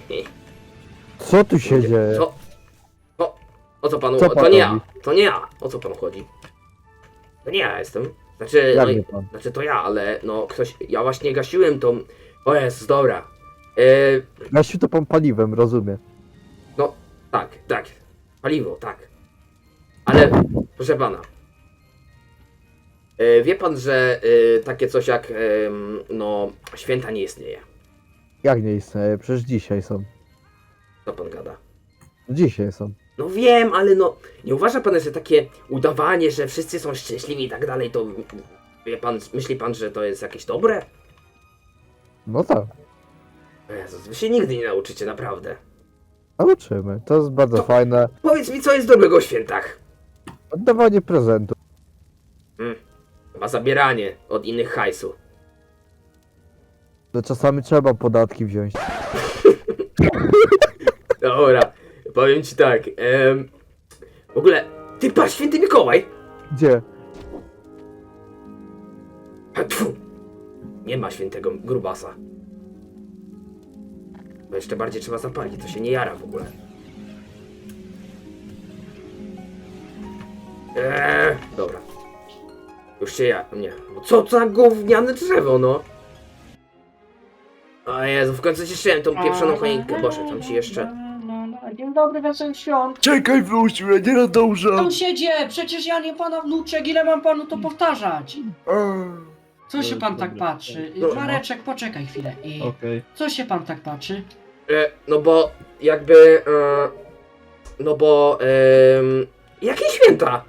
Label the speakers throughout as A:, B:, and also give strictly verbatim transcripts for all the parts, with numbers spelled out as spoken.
A: Co tu się dzieje?
B: Co? O, o co panu?
A: Co
B: to
A: pan
B: nie ja.
A: robi?
B: To nie ja. O co panu chodzi? To nie ja jestem. Znaczy,
A: Jak
B: no,
A: nie
B: i-
A: pan?
B: znaczy to ja, ale no ktoś. Ja właśnie gasiłem tą. O jest, dobra. Yy,
A: Gasiu to pan paliwem, rozumiem.
B: no, tak, tak. Paliwo, tak. Ale, proszę pana. Yy, wie pan, że yy, takie coś jak ym, no święta nie istnieje.
A: Jak nie istnieje? Przecież dzisiaj są.
B: Co pan gada?
A: Dzisiaj są.
B: No wiem, ale no, nie uważa pan, że takie udawanie, że wszyscy są szczęśliwi i tak dalej, to wie pan, myśli pan, że to jest jakieś dobre?
A: No tak.
B: O Jezus, wy się nigdy nie nauczycie, naprawdę.
A: Nauczymy. To jest bardzo
B: To-
A: fajne.
B: Powiedz mi, co jest dobrego w świętach?
A: Oddawanie prezentu.
B: Hmm, chyba zabieranie od innych hajsu.
A: To czasami trzeba podatki wziąć.
B: Dobra, powiem ci tak, em, w ogóle, ty patrz, święty Mikołaj!
A: Gdzie?
B: A, tfu, nie ma świętego grubasa. Bo jeszcze bardziej trzeba zapalić, to się nie jara w ogóle. Eee, dobra. Już się ja... nie. No co za gówniane drzewo, no! O Jezu, w końcu cieszyłem tą pieprzoną choinkę. Boże, tam ci jeszcze...
C: Dzień dobry, wesołych świąt.
A: Czekaj, wrócił, ja nie nadążam.
C: Sąsiedzie, przecież ja nie pana wnuczek, ile mam panu to powtarzać? Co się pan tak patrzy?
B: No.
C: Mareczek, poczekaj chwilę. I
D: Okej.
C: co się pan tak patrzy?
B: E, no bo jakby... E, no bo... em, jakie święta?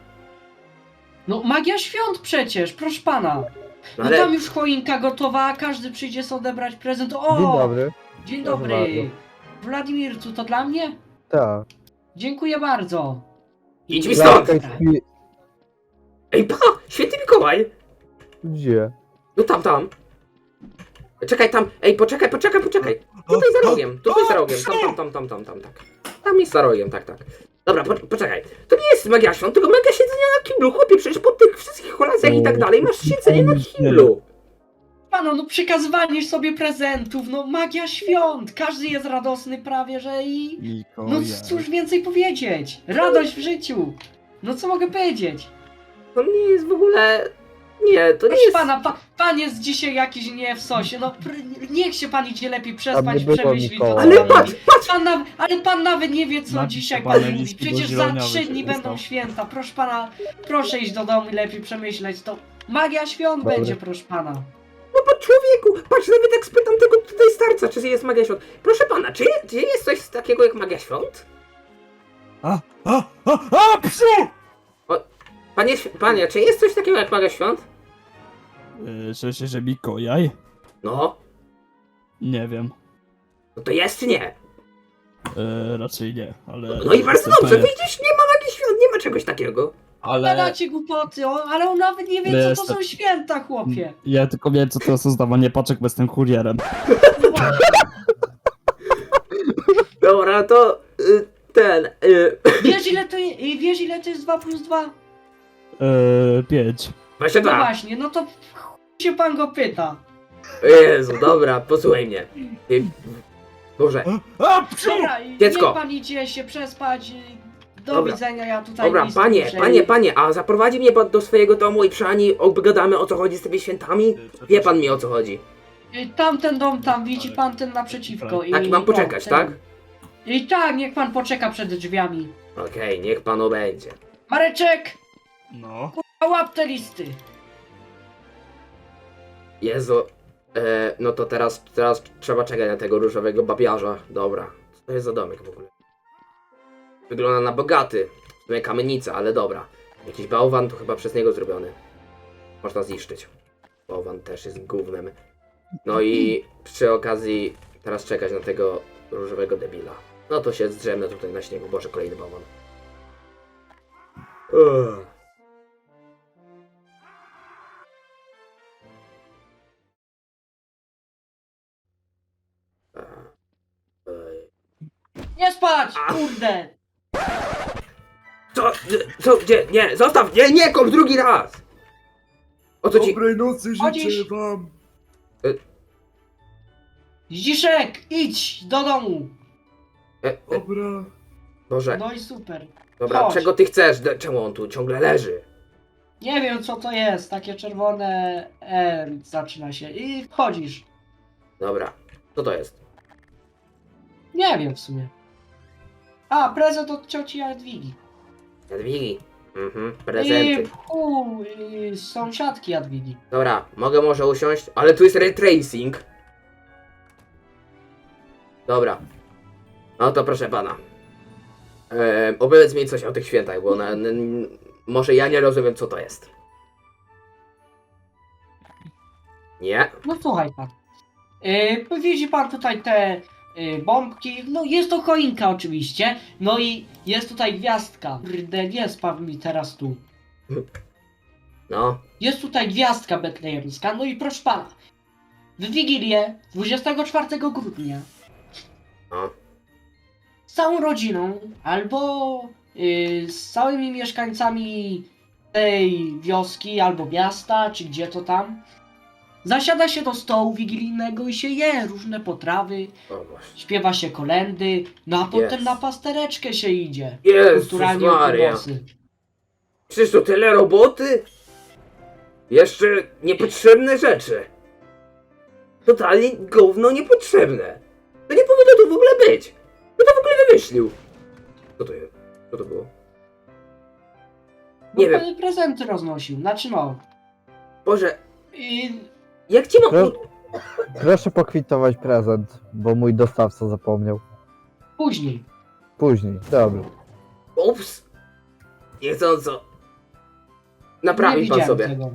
C: No magia świąt przecież, proszę pana.
B: No
C: No
B: ale...
C: tam już choinka gotowa, każdy przyjdzie sobie odebrać prezent. O!
A: Dzień dobry.
C: Dzień
A: Proszę
C: dobry.
A: bardzo.
C: Władimircu, to dla mnie?
A: Tak.
C: Dziękuję bardzo.
B: Idź mi stąd!
A: Laska śpi-
B: Ej, pa! Święty Mikołaj!
A: Gdzie?
B: No tam, tam. Czekaj, tam. Ej, poczekaj, poczekaj, poczekaj. Tutaj za rogiem, tutaj za rogiem. Tam, tam, tam, tam, tam, tam, tak. Tam jest za rogiem, tak, tak. Dobra, po, poczekaj. To nie jest magia świąt, tylko magia siedzenia na kiblu. Chłopie, przecież po tych wszystkich kolacjach i tak dalej masz siedzenie na kiblu.
C: Pano, no przekazywanie sobie prezentów, no magia świąt. Każdy jest radosny prawie, że i... No
D: Mikołaj.
C: cóż więcej powiedzieć? Radość w życiu. No co mogę powiedzieć?
B: To nie jest w ogóle... Nie, to nie
C: Proszę
B: jest...
C: pana, pa, pan jest dzisiaj jakiś nie w sosie. No pr- niech się pan idzie lepiej
A: Tam
C: przespać,
A: nie było
C: przemyśleć.
A: Mikołaja.
C: co
B: Ale
C: pan
B: patrz,
C: mówi.
B: patrz!
C: Pan na, ale pan nawet nie wie, co
D: Napisz
C: dzisiaj
D: pana
C: pan mówi.
D: listu,
C: Przecież
D: bo
C: za
D: zieloniawy
C: trzy
D: się
C: dni
D: dostał.
C: będą święta. Proszę pana, proszę iść do domu i lepiej przemyśleć to. Magia świąt
A: Dobry.
C: będzie, proszę pana.
B: No bo człowieku, patrz, nawet jak spytam tego tutaj starca, czy jest magia świąt. Proszę pana, czy, czy jest coś takiego jak magia świąt?
D: A, a, a, a, psu!
B: Panie, panie, czy jest coś takiego jak magia świąt?
D: Yy, że się, że Mikołaj?
B: No,
D: Nie wiem.
B: no to jest czy nie?
D: Yy, raczej nie, ale...
B: No i bardzo
D: jestem
B: dobrze,
D: pewien.
B: widzisz, nie ma magii świąt, nie ma czegoś takiego.
D: Ale...
C: Gadacie głupoty, o, ale on nawet nie wie, co to
D: Jestem-
C: są święta, chłopie.
D: Ja tylko wiem, co to jest zdawanie paczek, bo jestem kurierem.
B: Dobra, to y, ten, y,
C: Wiesz ile to, je- wiesz ile to jest dwa plus dwa?
D: Yy, pięć.
B: właśnie
C: No
B: tak.
C: właśnie, no to chuj się pan go pyta.
B: Jezu, dobra, posłuchaj mnie. Ty, Boże,
D: A, psu!
C: Dobra, i
B: Dziecko.
C: niech pan idzie się przespać. i Do
B: Dobra.
C: widzenia, ja tutaj
B: dobra,
C: listy
B: panie,
C: muszę-
B: panie, panie, a zaprowadzi mnie pan do swojego domu i przy Ani obgadamy o co chodzi z tymi świętami? Wie pan mi o co chodzi.
C: I Tamten dom tam, widzi pan ten naprzeciwko. I,
B: Tak, i mam poczekać,
C: ten-
B: tak?
C: I tak, niech pan poczeka przed drzwiami.
B: Okej, niech panu będzie.
C: Mareczek,
D: No.
C: a łap te listy.
B: Jezu, e, no to teraz, teraz trzeba czekać na tego różowego babiarza. Dobra, co to jest za domek w ogóle? Wygląda na bogaty. W sumie kamienica, ale dobra. Jakiś bałwan to chyba przez niego zrobiony. Można zniszczyć. Bałwan też jest gównem. No i przy okazji teraz czekać na tego różowego debila. No to się zdrzemnę tutaj na śniegu. Boże, kolejny bałwan. Ugh. Ej.
C: Nie spać,
B: A.
C: kurde.
B: Co? Co? Gdzie? Nie, zostaw! Nie, nie, kop drugi raz! O co ci...
E: Dobrej nocy
C: Chodzisz?
E: życzę wam!
C: Zdziszek, idź do domu.
B: E, e,
A: Dobra.
B: Boże,
C: No i super.
B: dobra,
C: chodź.
B: czego ty chcesz? De- Czemu on tu ciągle leży?
C: Nie wiem co to jest, takie czerwone E zaczyna się i wchodzisz.
B: Dobra, co to jest?
C: Nie wiem w sumie. A, prezent od cioci Jadwigi.
B: Jadwigi. Mhm,
C: I
B: prezenty.
C: u y, sąsiadki Jadwigi.
B: Dobra, mogę może usiąść? Ale tu jest ray tracing. Dobra. No to proszę pana. Eee, opowiedz mi coś o tych świętach, bo na, n, może ja nie rozumiem co to jest. Nie?
C: No słuchaj pan. Yy, widzi pan tutaj te yy, bombki. No jest to choinka oczywiście. No i jest tutaj gwiazdka. Kurde, nie spadł mi teraz tu.
B: No.
C: Jest tutaj gwiazdka betlejemska. No i proszę pana. W Wigilię dwudziestego czwartego grudnia
B: No.
C: z całą rodziną albo yy, z całymi mieszkańcami tej wioski albo miasta, czy gdzie to tam, zasiada się do stołu wigilijnego i się je różne potrawy,
B: O Boże.
C: śpiewa się kolędy, no a potem
B: Yes.
C: na pastereczkę się idzie.
B: Jezus
C: Kulturalnie
B: Maria.
C: okłosy.
B: Przecież to tyle roboty? Jeszcze niepotrzebne rzeczy. Totalnie gówno niepotrzebne. To nie powinno tu w ogóle być. Kto to w ogóle wymyślił? Co to jest? Co to było?
C: No
B: Nie wiem.
C: pan prezenty roznosił, znaczy no.
B: Boże,
C: I
B: jak ci mam...
A: Pro- Proszę pokwitować prezent, bo mój dostawca zapomniał.
C: później.
A: Później, dobra.
B: Ups. Niechcąco.
C: Nie
B: Naprawi pan
C: widziałem
B: sobie.
C: tego.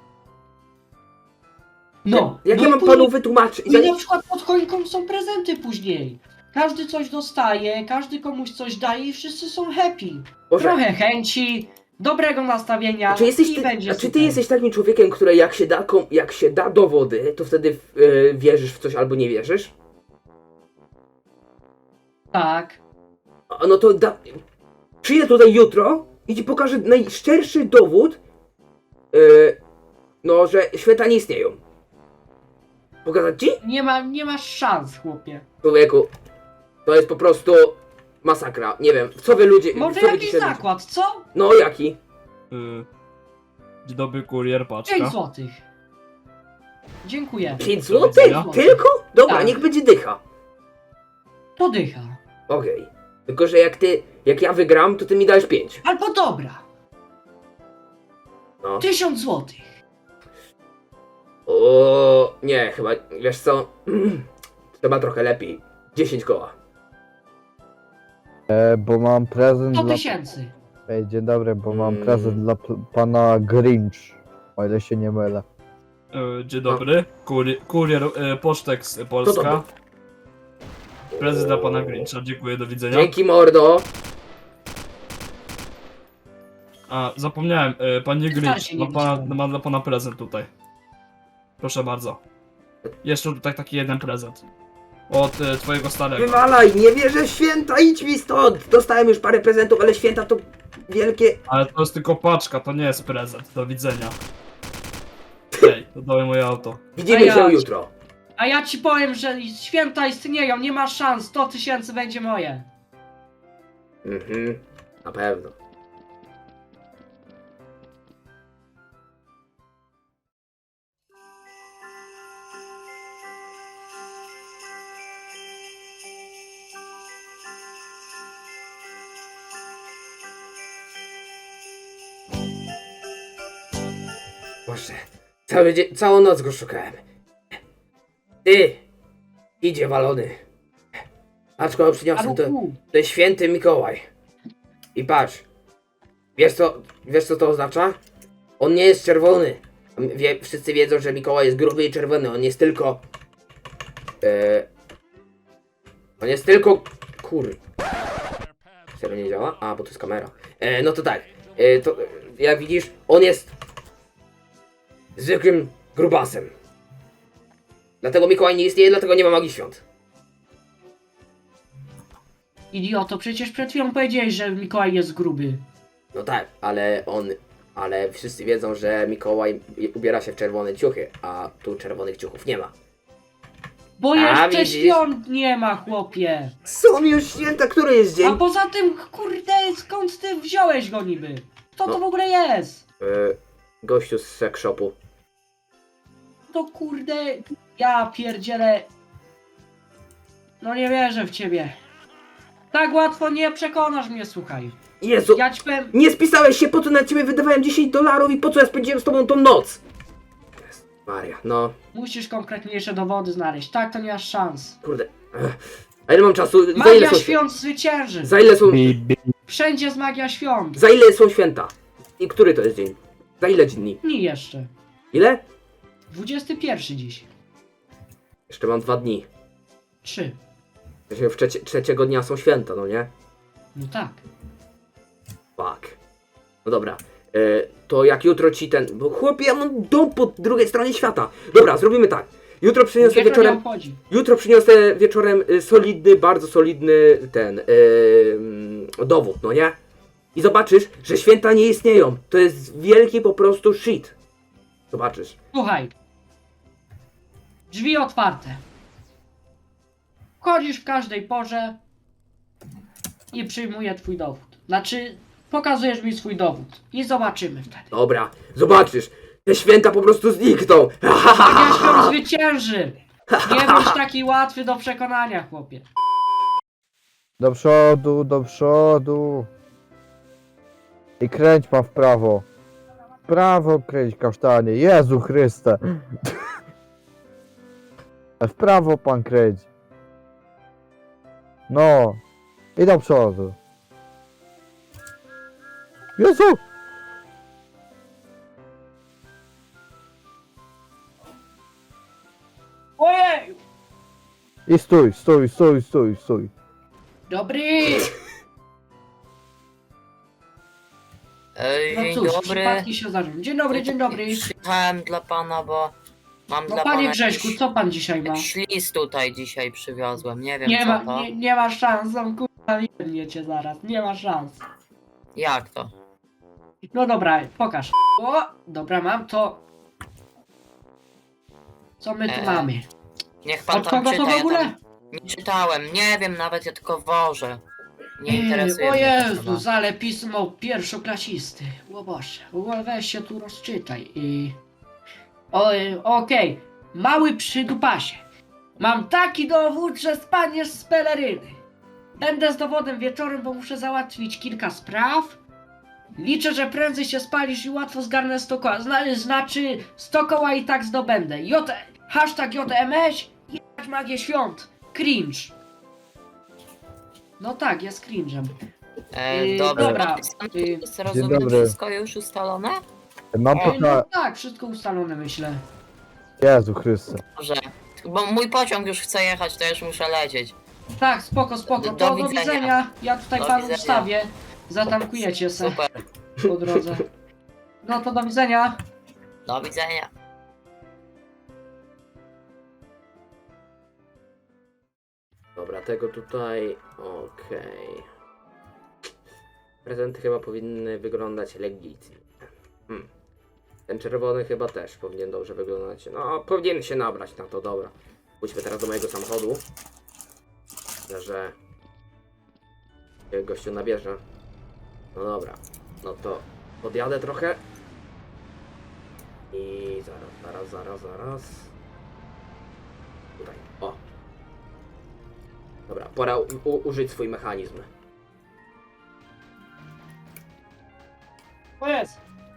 C: No.
B: Jak
C: no
B: ja
C: i
B: mam
C: później-
B: panu wytłumaczyć?
C: I na przykład pod choinką są prezenty później. Każdy coś dostaje, każdy komuś coś daje i wszyscy są happy.
B: Boże,
C: Trochę chęci, dobrego nastawienia
B: a czy, jesteś
C: i
B: ty,
C: będzie
B: a czy ty
C: super.
B: jesteś takim człowiekiem, który jak się da, kom- jak się da dowody, to wtedy e, wierzysz w coś albo nie wierzysz?
C: Tak.
B: A no to da... Przyjdę tutaj jutro i ci pokażę najszczerszy dowód, e, no, że święta nie istnieją. Pokazać ci?
C: Nie, ma, nie masz szans, chłopie.
B: Człowieku, to jest po prostu masakra. Nie wiem, w co wy ludzie...
C: Może
B: w co wy
C: jakiś
B: dzisiaj-
C: zakład, co?
B: No, jaki?
D: Y, Dzień dobry, kurier, paczka.
C: pięć złotych. Dziękuję.
B: pięć
D: Do
B: złotych?
D: widzenia.
B: Tylko? Dobra,
C: Tak.
B: niech będzie dycha.
C: Podycha.
B: Okej. Tylko, że jak ty, jak ja wygram, to ty mi dajesz pięć.
C: Albo dobra.
B: No.
C: Tysiąc złotych.
B: O, nie, chyba, wiesz co? Chyba trochę lepiej. dziesięć koła.
A: E, bo mam prezent
C: sto
A: dla...
C: tysięcy.
A: Ej, dzień dobry, bo mam
B: Mm.
A: prezent dla p- pana Grinch. O ile się nie mylę.
D: Y, Dzień dobry, kurier, kurier y, Pocztek z Polska. Prezent dla pana Grincha, dziękuję, do widzenia.
B: Dzięki, mordo.
D: A, zapomniałem, y, panie
C: Wystarczy,
D: Grinch,
C: nie
D: ma, pana,
C: widziałem.
D: ma dla pana prezent tutaj. Proszę bardzo. Jeszcze tutaj taki jeden prezent. Od y, twojego starego.
B: Wywalaj, nie wierzę w święta, idź mi stąd. Dostałem już parę prezentów, ale święta to wielkie...
D: Ale to jest tylko paczka, to nie jest prezent. Do widzenia. Hej, dodałem moje auto.
B: Widzimy
C: A ja-
B: się jutro.
C: A ja ci powiem, że święta istnieją, nie ma szans, sto tysięcy będzie moje.
B: Mhm, na pewno. Boże, cały dzień, całą noc go szukałem. Ty, idzie walony. Patrz, kogo przyniosłem, to,
C: Aruku,
B: to jest święty Mikołaj. I patrz, wiesz co, wiesz co to oznacza? On nie jest czerwony. Wie, wszyscy wiedzą, że Mikołaj jest gruby i czerwony, on jest tylko... E, on jest tylko... Kur... Serio nie działa? A, bo to jest kamera. E, no to tak, e, to jak widzisz, on jest zwykłym grubasem. Dlatego Mikołaj nie istnieje, dlatego nie ma magii świąt.
C: idioto, przecież przed chwilą powiedziałeś, że Mikołaj jest gruby.
B: No tak, ale on... Ale wszyscy wiedzą, że Mikołaj ubiera się w czerwone ciuchy, a tu czerwonych ciuchów nie ma.
C: Bo
B: A,
C: jeszcze
B: widzisz?
C: świąt nie ma, chłopie.
B: Są już święta, który jest
C: A
B: dzień?
C: poza tym, kurde, skąd ty wziąłeś go niby? Co to
B: No.
C: w ogóle jest?
B: E, gościu z sex shopu.
C: To kurde, ja pierdzielę. No nie wierzę w ciebie. Tak łatwo nie przekonasz mnie, słuchaj.
B: Jezu,
C: Ja ci powiem,
B: nie spisałeś się, po co na ciebie wydawałem dziesięć dolarów i po co ja spędziłem z tobą tą noc? Jezu Maria, no,
C: musisz konkretniejsze dowody znaleźć. Tak, to nie masz szans.
B: kurde. Ech. A ile mam czasu? Za ile
C: Magia
B: są
C: świąt zwycięży.
B: Za ile są,
A: Bi, bi.
C: Wszędzie jest magia świąt.
B: za ile są święta? I który to jest dzień? Za ile dni?
C: Dni jeszcze.
B: Ile?
C: dwudziesty pierwszy dziś.
B: Jeszcze mam dwa dni.
C: Trzy.
B: Właśnie W trzecie, trzeciego dnia są święta, no nie?
C: No tak.
B: Fuck. No dobra. E, to jak jutro ci ten... Bo chłopie, ja mam dom po drugiej stronie świata. Dobra, zrobimy tak. Jutro przyniosę
C: Nikogo nie
B: wieczorem...
C: obchodzi.
B: Jutro przyniosę wieczorem y, solidny, bardzo solidny ten... Yy, dowód, no nie? I zobaczysz, że święta nie istnieją. To jest wielki po prostu shit. Zobaczysz.
C: Słuchaj. Drzwi otwarte. Wchodzisz w każdej porze i przyjmuję twój dowód. Znaczy, pokazujesz mi swój dowód i zobaczymy wtedy.
B: Dobra, zobaczysz. Te święta po prostu znikną.
C: Magia świąt zwycięży. Nie bądź taki łatwy do przekonania, chłopie.
A: Do przodu, do przodu. I kręć pan w prawo. W prawo kręć, kasztanie. Jezu Chryste. W prawo pan kręć. No. I do przodu. Jezu!
C: Ojej!
A: I stój, stój, stój, stój, stój.
C: Dobry!
E: Ej,
C: No
E: dzień
C: cóż,
E: dobry.
C: przypadki się zdarzyły. Dzień dobry, dzień dobry.
E: Przyjechałem dla pana, bo mam
C: No
E: dla
C: panie
E: pana
C: Grześku,
E: jakiś,
C: co pan dzisiaj ma?
E: jakiś list tutaj dzisiaj przywiozłem. Nie wiem
C: Nie
E: co
C: ma,
E: to.
C: nie, nie ma szans, on kurwa nie cię zaraz, nie ma szans.
E: Jak to?
C: No dobra, pokaż. O, dobra, mam to. Co my tu
E: Eee,
C: mamy?
E: Niech pan
C: Od
E: tam
C: kogo
E: czyta.
C: to w
E: Ja
C: ogóle?
E: tam nie czytałem, nie wiem nawet, ja tylko wożę. Nie
C: Ej,
E: interesuje
C: o
E: mnie to
C: Jezu,
E: chyba.
C: ale pismo pierwszoklasisty. O Boże, w ogóle weź się tu rozczytaj i... O, y, okej, mały przydupasie. Mam taki dowód, że spadniesz z peleryny. Będę z dowodem wieczorem, bo muszę załatwić kilka spraw. Liczę, że prędzej się spalisz i łatwo zgarnę sto koła. Zna, znaczy, sto koła i tak zdobędę. J, hashtag J M S, jebać magię świąt. Cringe. No tak, jest cringe'em.
E: E,
C: Yy,
E: dobrze,
C: dobra,
E: podpisane
C: yy.
E: jest, rozumiem,
A: dobry.
E: wszystko już ustalone?
A: Mam
C: Ej, no
A: pytanie.
C: tak, wszystko ustalone, myślę.
A: Jezu Chryste.
E: Dobrze. Bo mój pociąg już chce jechać, to już muszę lecieć.
C: Tak, spoko, spoko.
E: Do-
C: To
E: do
C: do
E: widzenia.
C: widzenia. Ja tutaj
E: Do
C: panu
E: widzenia.
C: ustawię. Zatankujecie se
E: Super.
C: po drodze. No to do widzenia.
E: Do widzenia.
B: Dobra, tego tutaj... Okej. Prezenty chyba powinny wyglądać legitnie. Hmm. Ten czerwony chyba też powinien dobrze wyglądać. No, powinien się nabrać na to, dobra. Pójdźmy teraz do mojego samochodu. Myślę, że... gościu nabierze. No dobra. No to podjadę trochę. I zaraz, zaraz, zaraz, zaraz. Tutaj, o. Dobra, pora u- u- użyć swój mechanizm.
C: O jest.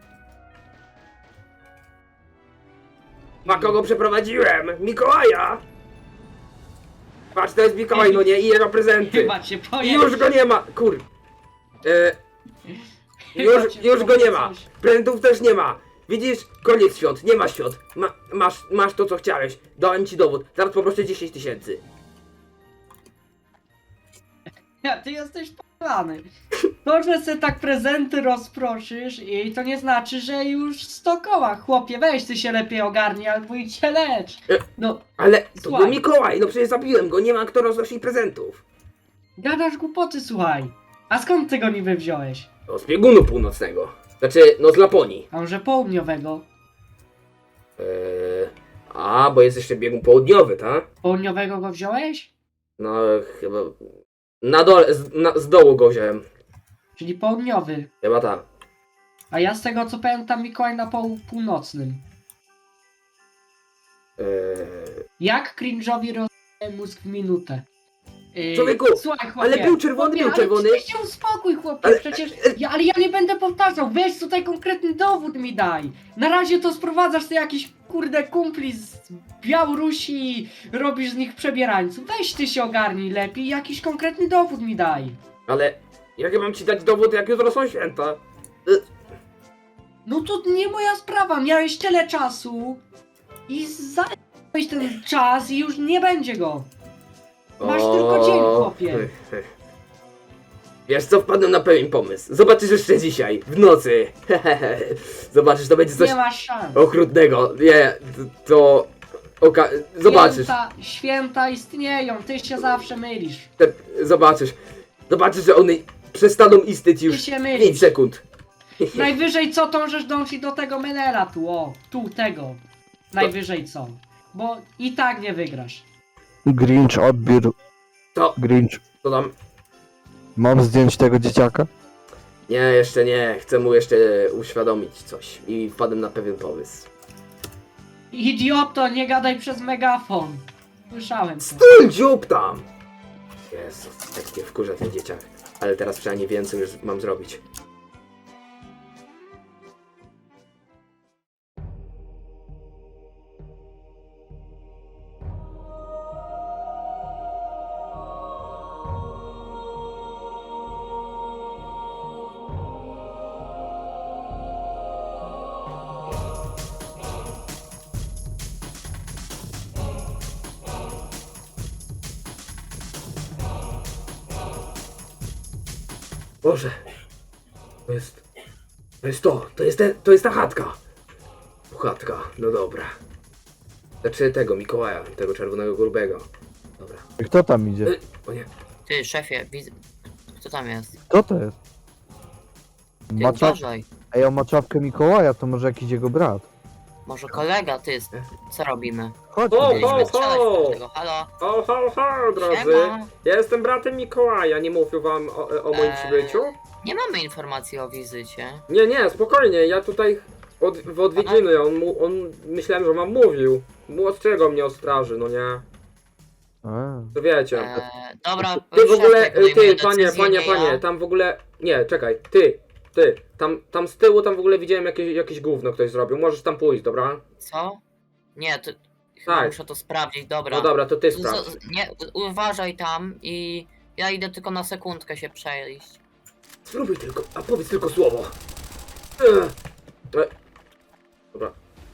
B: Na kogo przeprowadziłem? Mikołaja! Patrz, to jest Mikołaj, no nie? I jego prezenty.
C: Chyba cię
B: I
C: pojechał.
B: już go nie ma, kur... E, już, już go nie ma. Prezentów też nie ma. Widzisz? Koniec świąt, nie ma świąt. Ma, masz, masz to, co chciałeś. Dałem ci dowód. Zaraz poproszę dziesięć tysięcy.
C: Ja, ty jesteś p***any. To, że se tak prezenty rozproszysz i to nie znaczy, że już sto koła. Chłopie, weź ty się lepiej ogarnij albo idź się lecz. No,
B: Ale to
C: Słuchaj.
B: był Mikołaj, no przecież zabiłem go, nie ma kto roznosić prezentów.
C: gadasz głupoty, słuchaj. A skąd ty go niby wziąłeś?
B: No, z biegunu północnego. Znaczy, no z Laponii.
C: A może południowego?
B: Eee, A, bo jest jeszcze biegun południowy, tak?
C: Południowego go wziąłeś?
B: No, chyba... Na dole, z, na, z dołu go wziąłem.
C: Czyli południowy.
B: Chyba tak.
C: A ja z tego co pamiętam Mikołaj na pół, północnym.
B: Eee,
C: Jak cringe'owi rozdaje mózg w minutę. Yy,
B: Człowieku,
C: słuchaj, chłopie,
B: ale był czerwony,
C: chłopie,
B: był
C: ale
B: czerwony.
C: przecież się uspokój, chłopie,
B: Ale-
C: przecież... Ja, ale ja nie będę powtarzał, weź tutaj konkretny dowód mi daj. Na razie to sprowadzasz sobie jakiś, kurde, kumpli z Białorusi, robisz z nich przebierańców. Weź ty się ogarnij lepiej, jakiś konkretny dowód mi daj.
B: ale jak ja mam ci dać dowód, jak jutro są święta?
C: No to nie moja sprawa, miałeś tyle czasu i zająłeś ten czas i już nie będzie go. Masz tylko dzień, chłopie.
B: Wiesz co, wpadłem na pewien pomysł. Zobaczysz jeszcze dzisiaj, w nocy. Zobaczysz, to będzie coś
C: Nie masz szans.
B: okrutnego. Nie, to... Oka... Zobaczysz,
C: Święta, święta istnieją, ty się zawsze mylisz.
B: te... zobaczysz. Zobaczysz, że one przestaną istnieć
C: Ty
B: już
C: się
B: pięć
C: mylisz.
B: sekund.
C: Najwyżej co tą rzecz dąży do tego menela tu, o, tu, tego. Najwyżej co. Bo i tak nie wygrasz.
A: Grinch, odbiór.
B: To,
A: Grinch.
B: to tam...
A: Mam zdjąć tego dzieciaka?
B: Nie, jeszcze nie. Chcę mu jeszcze uświadomić coś. I wpadłem na pewien pomysł.
C: Idioto, nie gadaj przez megafon. Słyszałem to.
B: Stój, dziób tam! Jezus, jak mnie wkurza ten dzieciak. Ale teraz przynajmniej wiem, co już mam zrobić. Boże, to jest, to jest to, to jest, te, to jest ta chatka. Chatka, no dobra. Znaczy tego Mikołaja, tego czerwonego grubego. Dobra.
A: Kto tam idzie?
B: Y, O nie,
E: Ty, szefie, widzę... Kto tam jest?
A: Kto to jest?
E: Ty
A: Macza...
E: uważaj.
A: Ej, o maczawkę Mikołaja, to może jakiś jego brat.
E: Może kolega, ty, co robimy?
A: Chodź.
B: O,
A: idziemy.
B: ho,
E: Mieliśmy strzelać
B: ho!
E: do tego, halo?
B: ho, ho, ho, drodzy.
E: Siema.
B: Ja jestem bratem Mikołaja, nie mówił wam o, o moim
E: Eee.
B: przybyciu?
E: Nie mamy informacji o wizycie.
B: Nie, nie, spokojnie, ja tutaj od, w odwiedziny, on, mu, on myślałem, że wam mówił. Mu ostrzegał mnie o straży, no nie?
A: A.
B: To wiecie.
E: Eee, dobra,
B: Ty w ogóle,
E: szefie, podejmuje
B: ty, panie,
E: decyzję,
B: panie,
E: nie
B: panie,
E: ja.
B: tam w ogóle, nie, czekaj, ty, ty, tam, tam z tyłu, tam w ogóle widziałem jakieś, jakieś gówno ktoś zrobił, możesz tam pójść, dobra?
E: Co? Nie, to... Chyba
B: Tak.
E: muszę to sprawdzić, dobra.
B: No dobra, to ty
E: Z-
B: sprawdź.
E: z- Nie, uważaj tam i... Ja idę tylko na sekundkę się przejść.
B: Spróbuj tylko, a powiedz tylko słowo. Ech. E. Dobra.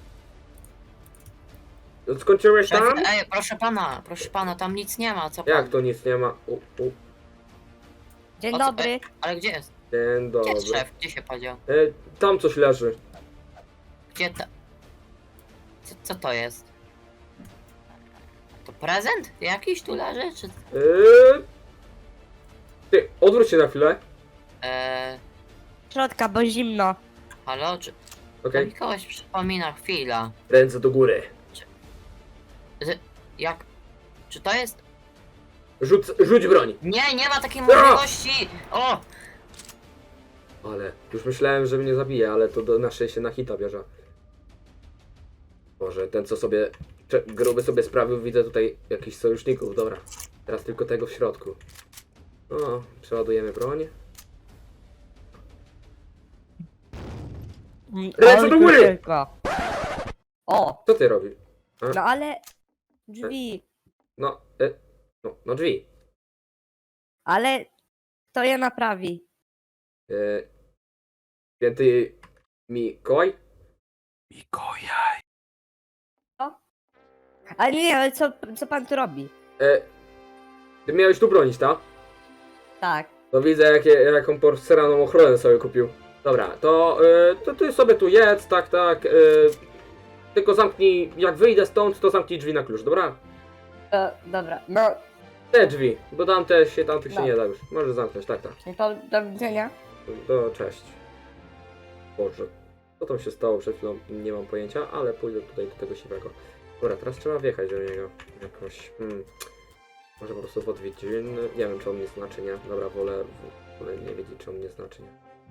B: Skończyłeś tam?
E: Szefie, ej, proszę pana, proszę pana, tam nic nie ma, co pan?
B: Jak to nic nie ma? U, u.
F: Dzień
E: O co-
F: dobry.
E: Ale gdzie jest?
B: Dzień
E: Gdzie
B: dobry.
E: jest szef? Gdzie się podział?
B: E, tam coś leży.
E: Gdzie ta... Co, co to jest? To prezent? Jakiś tu leży? Czy...
B: E, ty, odwróć się na chwilę.
E: Eee,
F: Środka, bo zimno.
E: halo? Czy...
B: Okej.
E: To mi kogoś przypomina, chwila.
B: Ręce do góry.
E: Z... Jak... Czy to jest...
B: Rzuć, rzuć broń.
E: Nie, nie ma takiej możliwości! O!
B: Ale już myślałem, że mnie zabije, ale to do na szczęście na hita bierze. Boże, ten co sobie cze- gruby sobie sprawił, widzę tutaj jakichś sojuszników, dobra. Teraz tylko tego w środku. O, przeładujemy broń. Ręce
F: Ale
B: do góry!
F: kruszynka. O,
B: Co ty robisz?
F: no ale drzwi.
B: No, e, no, no drzwi.
F: Ale to je naprawi.
B: E, święty Mikołaj?
F: Ale nie, ale co, co pan tu robi?
B: E, ty miałeś tu bronić, tak?
F: Tak.
B: To widzę, jakie, jaką porcelaną ochronę sobie kupił. Dobra, to, y, to ty sobie tu jedz, tak, tak. Y, tylko zamknij, jak wyjdę stąd, to zamknij drzwi na klucz, dobra?
F: To, dobra, no,
B: Te drzwi, bo tamte się, tamtych się
F: No.
B: nie da już. Możesz zamknąć, tak, tak.
F: czyli to do widzenia.
B: To cześć. Boże, co tam się stało przed chwilą, nie mam pojęcia, ale pójdę tutaj do tego siwego. Dobra, teraz trzeba wjechać do niego. Jakoś... Hmm. Może po prostu w odwiedzin. Nie wiem, czy on mnie znaczy, nie. Dobra, wolę, wolę nie wiedzieć, czy on mnie znaczy, nie.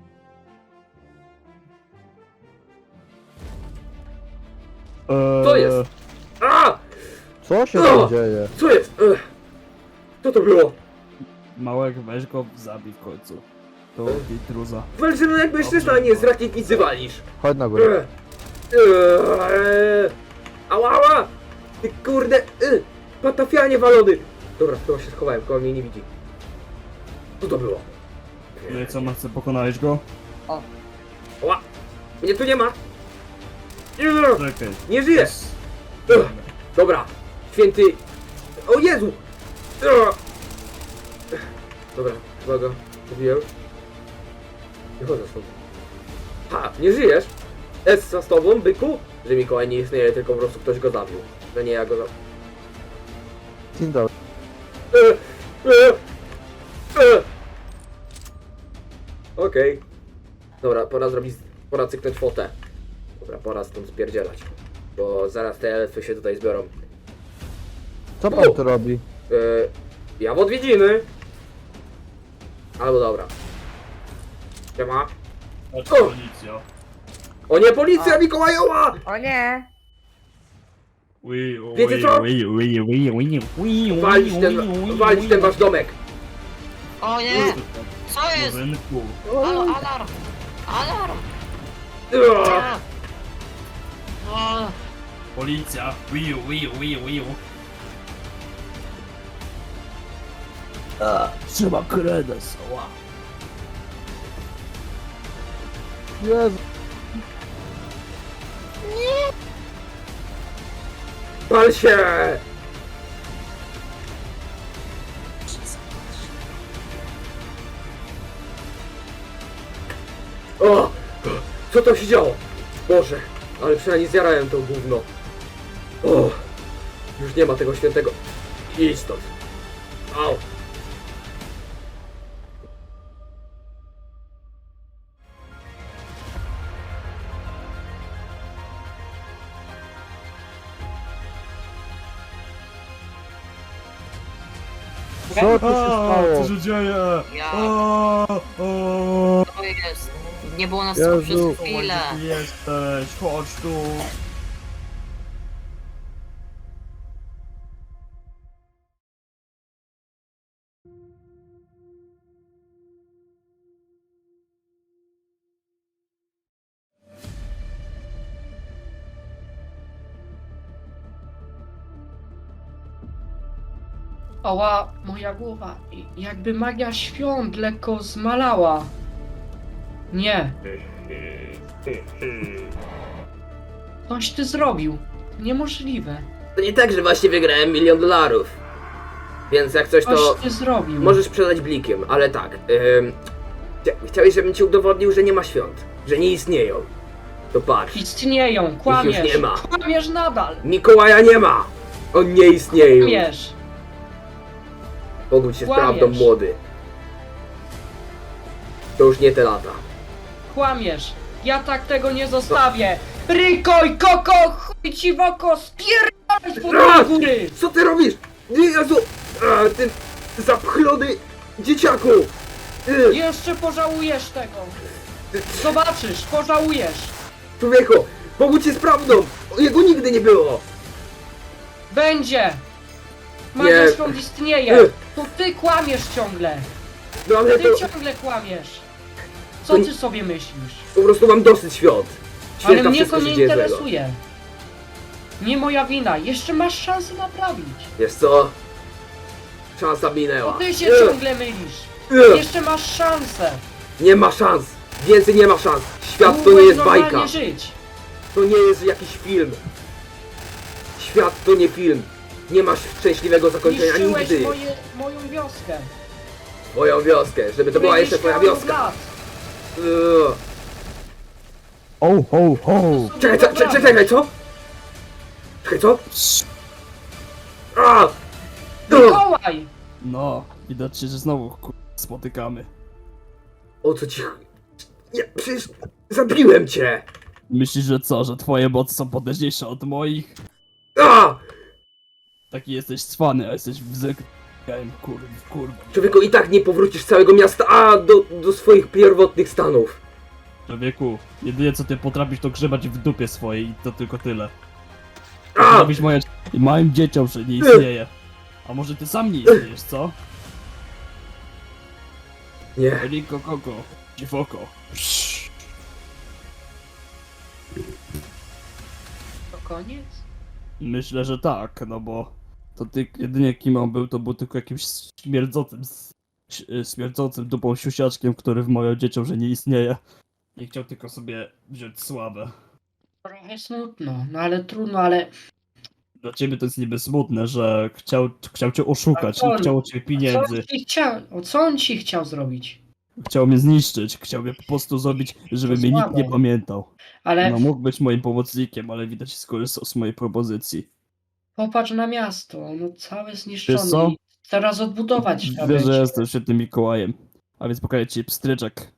D: Eee,
B: Co jest? A!
A: Co się
B: O!
A: tam dzieje?
B: Co jest? Ech. Co to było?
D: Małek, weź go, zabij w końcu. To intruza.
B: Walczy no jak mężczyzna, a nie z rakietnicy walisz.
A: Chodź na górę.
B: Ech. Ech. Ała, ała! Ty kurde! Ech. Patafianie walony! Dobra, chyba się schowałem, koło mnie nie widzi. Co to było?
D: No i co, Marce, pokonałeś go?
B: Ała! Mnie tu nie ma! Ech.
D: Czekaj.
B: Nie żyję!
D: Jest-
B: Ech. Dobra, święty... O Jezu! Ech. Dobra, uwaga, mówiłem. Nie chodzę stąd. Ha, nie żyjesz? Essa z tobą, byku? Że Mikołaj nie istnieje, tylko po prostu ktoś go zabił. Że nie ja go zabił.
A: Dzień dobry.
B: E, e, e. Okej. Dobra, pora zrobić, pora cyknąć fotę. Dobra, pora stąd spierdzielać. Bo zaraz te elfy się tutaj zbiorą.
A: Co pan tu robi?
B: E, ja w odwiedziny. Albo dobra. Siema.
D: Patrz,
B: O!
D: policja.
B: O nie, policja Mikołajowa!
F: O nie!
D: Ui, ui,
B: Wiecie co?
D: ui, ui, ui, ui, ui, ui,
B: Walić ten,
D: ui, ui,
B: walić
D: ui.
B: ten wasz domek.
E: O nie! Co jest?
D: Rynku.
E: Halo, alarm! Alarm!
B: Ugh.
E: A! O,
D: Policja. Ui, ui, ui, ui. A, trzeba kredes. Ła.
A: Jezu.
B: Pal się! O! Co to się działo? Boże, ale przynajmniej zjarałem to gówno. O! Już nie ma tego świętego. Idź stąd. Au!
A: Co tu się
D: A,
A: stało?
D: co się dzieje?
E: Ja.
D: A, a.
E: to jest. Nie było nas
A: Jezu.
E: tu przez chwilę.
D: Gdzie ty jesteś? Chodź tu.
C: Ała, moja głowa. I- Jakby magia świąt lekko zmalała. Nie. Coś ty zrobił. Niemożliwe.
B: To nie tak, że właśnie wygrałem milion dolarów. Więc jak coś
C: Coś
B: to...
C: ty zrobił.
B: Możesz przelać blikiem, ale tak. Ym, chcia- chciałeś, żebym ci udowodnił, że nie ma świąt. Że nie istnieją. To patrz.
C: Istnieją, kłamiesz.
B: już nie ma.
C: Kłamiesz nadal.
B: Mikołaja nie ma! On nie istnieje już.
C: Kłamiesz.
B: Pogódź się z
C: Kłamiesz.
B: prawdą, młody. To już nie te lata.
C: Kłamiesz. Ja tak tego nie zostawię. Rykoj, koko, chuj ci w oko, spierdalaj z
B: A!
C: pod góry.
B: Co ty robisz? Nie, Jezu! A, ty zapchlony dzieciaku! Y,
C: Jeszcze pożałujesz tego. Zobaczysz, pożałujesz.
B: Człowieku, pogódź się z prawdą! Jego nigdy nie było!
C: Będzie. Magia
B: Nie.
C: świąt istnieje.
B: Y.
C: To ty kłamiesz ciągle.
B: No ale
C: Ty
B: to
C: ciągle kłamiesz. Co
B: To-
C: ty sobie myślisz?
B: po prostu mam dosyć świąt.
C: Ale
B: Święta
C: mnie
B: wszystko
C: to
B: się
C: nie
B: dzieje złego.
C: interesuje. Nie moja wina. Jeszcze masz szansę naprawić.
B: Wiesz co? Szansa
C: To
B: minęła.
C: ty się
B: Y,
C: ciągle mylisz.
B: y,
C: Jeszcze masz szansę.
B: Nie ma szans! Więcej nie ma szans! Świat to nie
C: Mógłbyś
B: jest
C: normalnie
B: bajka!
C: żyć.
B: To nie jest jakiś film! Świat to nie film! Nie masz szczęśliwego zakończenia
C: Niszczyłeś
B: nigdy!
C: moje, moją wioskę.
B: Moją wioskę, żeby to była jeszcze twoja
C: Mieszkałem
B: wioska!
C: lat.
B: Ugh.
A: Ho, ho, ho.
B: Czekaj, co, czekaj, czekaj, co? Czekaj, co? A! Ugh.
C: Mikołaj!
D: No, widać się, że znowu ku... spotykamy.
B: O co ci... Nie, przecież zabiłem cię!
D: Myślisz, że co, że twoje mocy są potężniejsze od moich?
B: A!
D: Taki jesteś cwany, a jesteś wzekałem, kurwa, kurwa.
B: Człowieku, i tak nie powrócisz z całego miasta, a do, do swoich pierwotnych stanów.
D: Człowieku, jedynie co ty potrafisz to grzebać w dupie swojej i to tylko tyle.
B: A!
D: Robisz moje... małym dzieciom, że nie istnieje. A może ty sam nie istniejesz, co?
B: Nie.
D: Riko koko, dziwoko.
C: To koniec?
D: Myślę, że tak, no bo to ty jedynie kim on był, to był tylko jakimś śmierdzącym, s- śmierdzącym dupą siusiaczkiem, który wmawiał dzieciom, że nie istnieje. I chciał tylko sobie wziąć sławę.
C: Trochę smutno, no ale trudno, ale
D: Dla ciebie to jest niby smutne, że chciał, chciał cię oszukać,
C: A co
D: nie
C: on-
D: chciał od ciebie
C: co on
D: pieniędzy,
C: ci chciał, o co on ci chciał zrobić?
D: chciał mnie zniszczyć, chciał mnie po prostu zrobić, żeby
C: To
D: mnie nikt
C: słabe.
D: nie pamiętał.
C: Ale
D: No mógł być moim pomocnikiem, ale widać skorzystał z mojej propozycji.
C: popatrz na miasto, ono całe zniszczone.
D: Wiesz co?
C: I teraz odbudować trzeba
D: Wiesz, że
C: będzie.
D: jestem świetnym Mikołajem, a więc pokażę ci pstryczek.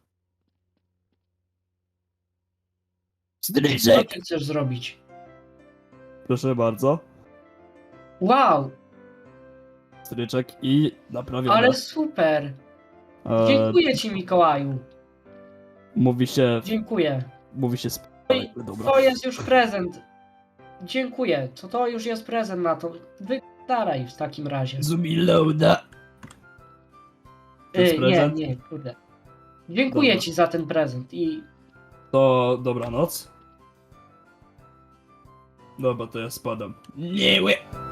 C: Co
D: Pstryczek!
C: ty chcesz zrobić?
D: Proszę bardzo.
C: Wow,
D: Stryczek i naprawione.
C: ale super.
D: E,
C: Dziękuję ci, Mikołaju.
D: Mówi się,
C: Dziękuję.
D: mówi się sp...
C: Oj,
D: Dobra.
C: To jest już prezent. Dziękuję. To to już jest prezent na to. Wydaraj w takim razie.
D: Zumiloada. To jest
C: Y, nie,
D: prezent?
C: nie, kurde. Dziękuję
D: Dobra.
C: ci za ten prezent i
D: To dobranoc. Dobra, to ja spadam. Nie, łe.